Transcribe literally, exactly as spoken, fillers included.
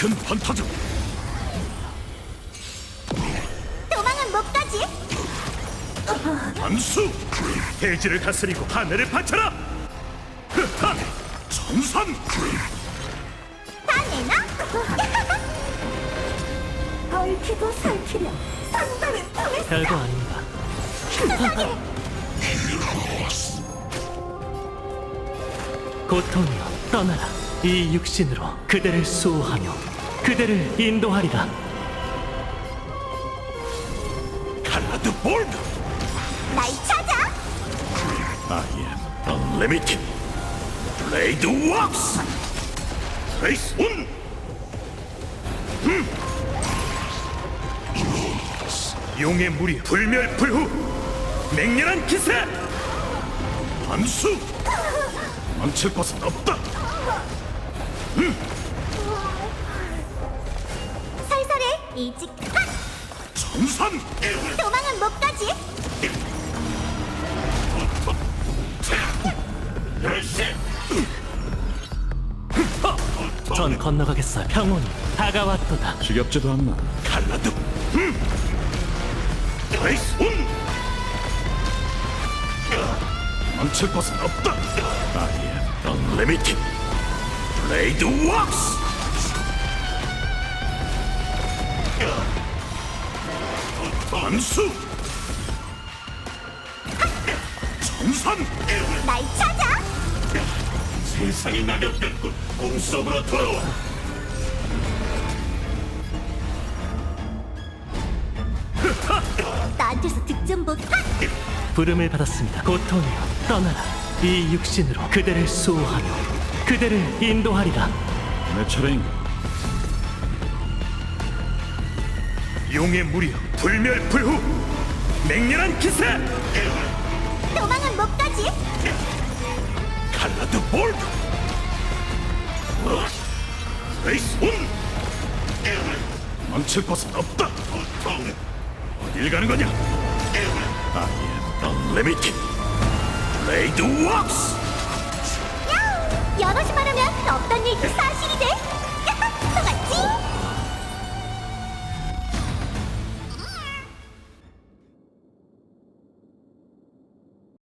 큰 판타즘. 도망은 못 가지. 암수. 대지를 다스리고 하늘을 바쳐라. 흐하! 전선. 다 내놔. 얽히고 설키려 상당히 통했어. 별거 아닙니다. 고통이여 떠나라. 이 육신으로 그대를 수호하며 그대를 인도하리라. 칼라드 볼드. 날 찾아. I am unlimited. 블레이드 왁스. 레이스 온. 음. 용의 무리 불멸불후. 맹렬한 기세. 암수. 망칠 것은 없다. 살살해. 일찍 핫. 전선. 도망은 못 가지. 전 건너가겠어요. 평온이 다가왔도다. 지겹지도 않나. 칼라드. 음. 레이스 온. 망칠 것은 없다. I am unlimited. 블레이드 왁스. 암수. 정선. 날 찾아. 세상이 낙엽됐군. 꿈속으로 돌아와. 나한테서 득점 못 핫. 부름을 받았습니다. 고통이여 떠나라. 이 육신으로 그대를 수호하며 그대를 인도하리라. 내 차례인가? 용의 무리여 불멸불후. 맹렬한 기세. 도망은 못 가지. 칼라드 볼드. 레이스 온. 망칠 것은 없다. 어딜 가는 거냐? I am unlimited. 블레이드 왁스. 야우. 여럿이 말하면 없던 얘기